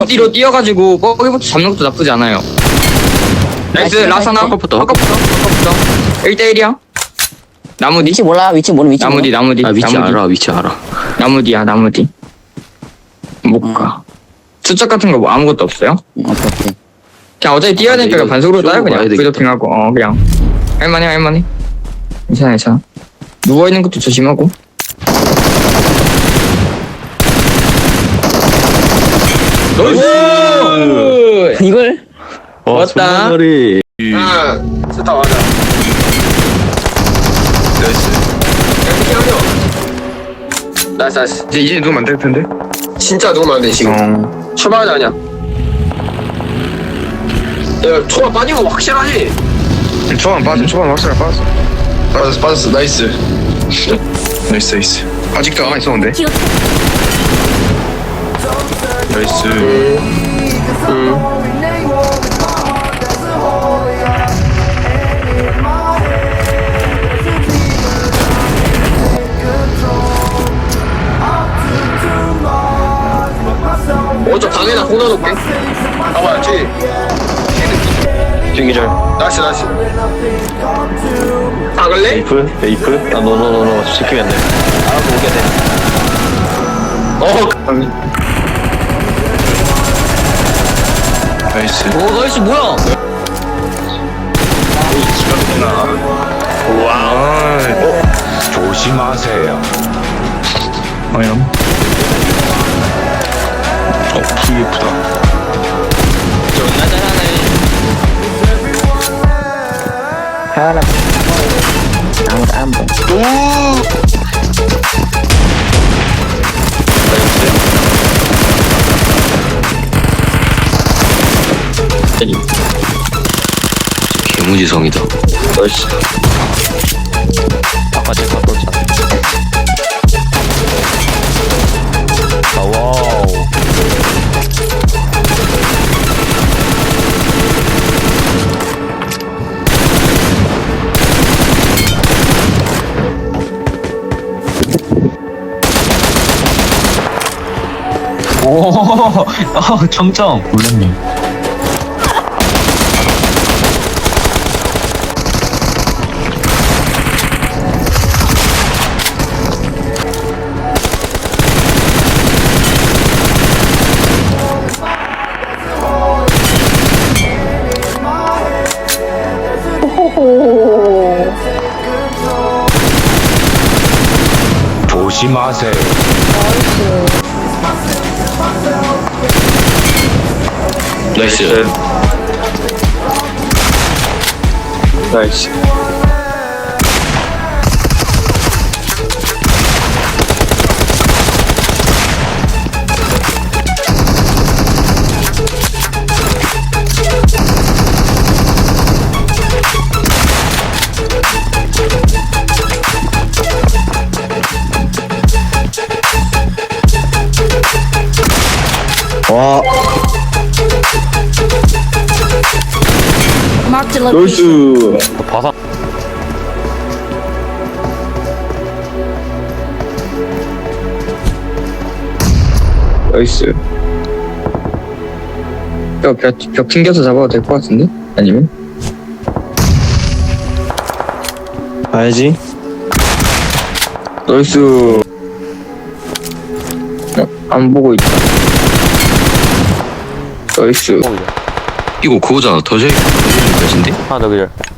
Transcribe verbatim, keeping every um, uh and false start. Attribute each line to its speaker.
Speaker 1: 뒤로 뛰어가지고 거기부터 잡는 것도 나쁘지 않아요. 나이스. 라사나
Speaker 2: 헛것부터.
Speaker 1: 헛것부터 헛것부터 일 대일이야. 나무 뒤
Speaker 3: 위치 몰라. 위치 모르 위치
Speaker 1: 나무
Speaker 3: 모르.
Speaker 1: 뒤 나무 뒤
Speaker 2: 아 위치
Speaker 1: 나무 뒤.
Speaker 2: 알아 위치 알아.
Speaker 1: 나무 뒤야 나무 뒤. 못가. 수첩 같은 거 뭐 아무것도 없어요?
Speaker 3: 응, 오케이 오케이.
Speaker 1: 그냥 어차피 뛰어야
Speaker 2: 아,
Speaker 1: 되니까
Speaker 2: 이거
Speaker 1: 반속으로 따요
Speaker 2: 쇼부
Speaker 1: 그냥.
Speaker 2: 봐야 되겠다.
Speaker 1: 브이도핑하고 어 그냥 할만해 할만해. 괜찮아 괜찮아. 누워있는 것도 조심하고. 나이스!
Speaker 3: 이걸
Speaker 1: 왔다.
Speaker 2: 머리.
Speaker 1: 아, 좋다 맞아.
Speaker 4: 나이스.
Speaker 1: 이렇게 하려. 나이스 나이스.
Speaker 4: 이제 이제 누우면 안 될 텐데.
Speaker 1: 진짜 누우면 안 돼 지금.
Speaker 4: 어.
Speaker 1: 출발하자 그냥. 야 초반 빠진 거 확실하지?
Speaker 4: 초반 빠져. 초반 확실히 빠졌어. 빠졌어 빠졌어. 나이스. 나이스 나이스. 아직도 가만히 있었는데. 나이스.
Speaker 1: 먼저 방에다 콩 넣어놓을게. 봐봐 뒤.
Speaker 4: 중기절.
Speaker 1: 나이스 나이스. 박을래?
Speaker 5: 에이프? 에이프? 아, 노노노노. 지키면 안 돼. 알아서 오게 돼.
Speaker 1: 어.
Speaker 4: 나이스.
Speaker 3: 오 나이스 뭐야?
Speaker 4: 와.
Speaker 5: 조심하세요.
Speaker 4: 아니야. 어, 브이에프다.
Speaker 3: 하나. 아무도 안 보.
Speaker 2: 개무지성이다.
Speaker 1: 나이스.
Speaker 5: 아까 제가 떴잖아. 아, 와우. 오, 어, 점점. 몰랐네. 조심하세요.
Speaker 2: 나이스.
Speaker 4: 나이스.
Speaker 1: 와.
Speaker 6: Marked a location.
Speaker 1: 나이스.
Speaker 5: 바사.
Speaker 1: 나이스. 벽, 벽, 벽 튕겨서 잡아도 될 것 같은데? 아니면?
Speaker 4: 봐야지.
Speaker 1: 나이스. 어, 안 보고 있다. 나이스.
Speaker 2: 이거 그거잖아. 더제이 것인데?
Speaker 5: 하나 더 그절.